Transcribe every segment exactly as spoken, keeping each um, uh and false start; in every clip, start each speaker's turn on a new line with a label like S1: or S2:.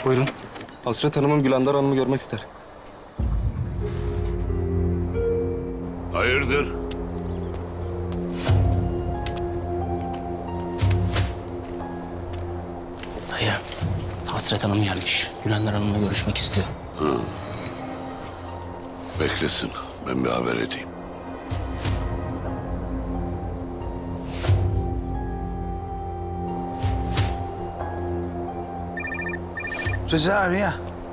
S1: Buyurun. Hasret Hanım'ın Gülandar Hanım'ı görmek ister.
S2: Hayırdır?
S3: Dayı, Hasret Hanım gelmiş. Gülandar Hanım'la görüşmek istiyor.
S2: Beklesin. Ben bir haber edeyim.
S4: Rıza arıyor.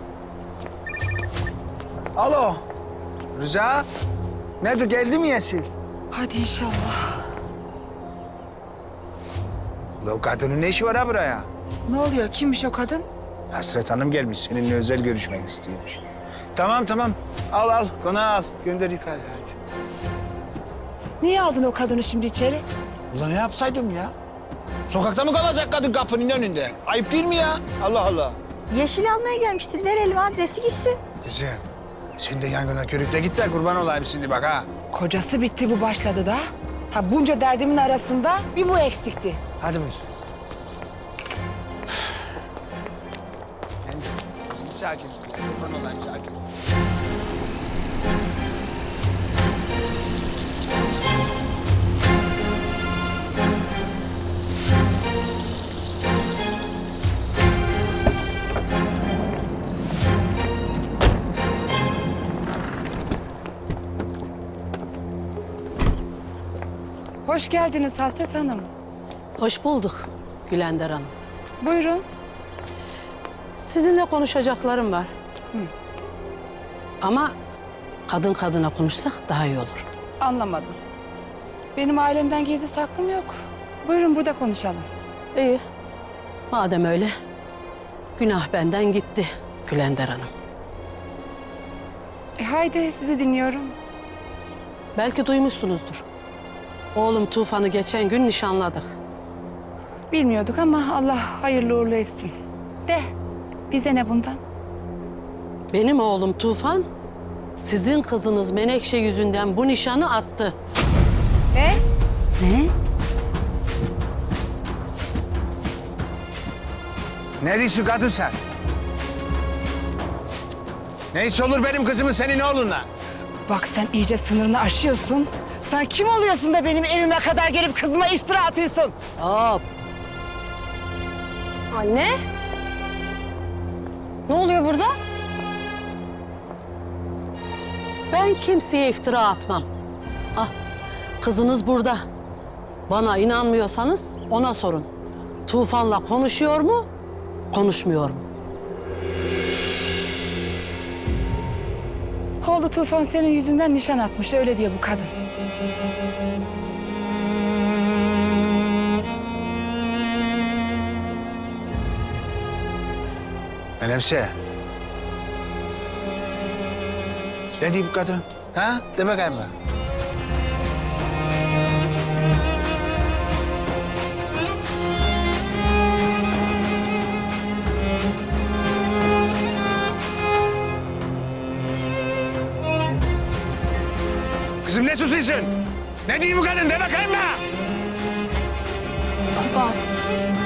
S4: Alo. Rıza. Nerede geldi mi Yesil?
S5: Hadi inşallah.
S4: La o kadının ne işi var ha buraya?
S5: Ne oluyor? Kimmiş o kadın?
S4: Hasret Hanım gelmiş. Seninle özel görüşmek istiyormuş. Tamam tamam. Al al. Konağı al. Gönder yukarı hadi.
S5: Niye aldın o kadını şimdi içeri?
S4: Ulan ne yapsaydım ya? Sokakta mı kalacak kadın kapının önünde? Ayıp değil mi ya? Allah Allah.
S6: Yeşil almaya gelmiştir. Verelim adresi gitsin.
S4: Kızım. Sen de yangına körükle git de kurban olayım şimdi bak ha.
S5: Kocası bitti, bu başladı da. Ha bunca derdimin arasında bir bu eksikti.
S4: Hadi buyur. Kızım sakin. Kurban olayım sakin.
S5: Hoş geldiniz Hasret Hanım.
S7: Hoş bulduk Gülandar Hanım.
S5: Buyurun.
S7: Sizinle konuşacaklarım var. Ama kadın kadına konuşsak daha iyi olur.
S5: Anlamadım. Benim ailemden gizli saklım yok. Buyurun burada konuşalım.
S7: İyi. Madem öyle, günah benden gitti Gülandar Hanım.
S5: E haydi sizi dinliyorum.
S7: Belki duymuşsunuzdur. Oğlum Tufan'ı geçen gün nişanladık.
S5: Bilmiyorduk ama Allah hayırlı uğurlu etsin. De bize ne bundan?
S7: Benim oğlum Tufan, sizin kızınız Menekşe yüzünden bu nişanı attı.
S5: Ne?
S7: Ne?
S4: Ne diyorsun kadın sen? Neyse olur benim kızımın senin oğlunla.
S5: Bak sen iyice sınırını aşıyorsun. Sen kim oluyorsun da benim evime kadar gelip kızıma iftira atıyorsun?
S7: Hop!
S5: Anne? Ne oluyor burada?
S7: Ben kimseye iftira atmam. Ah, kızınız burada. Bana inanmıyorsanız ona sorun. Tufan'la konuşuyor mu, konuşmuyor mu?
S5: Oğlu Tufan senin yüzünden nişan atmış, öyle diyor bu kadın.
S4: Menemse. Ne diyor bu kadın? Ha? De bakayım bak. Kızım ne susuyorsun? Ne diyor bu kadın? De bakayım bak.
S5: Baba.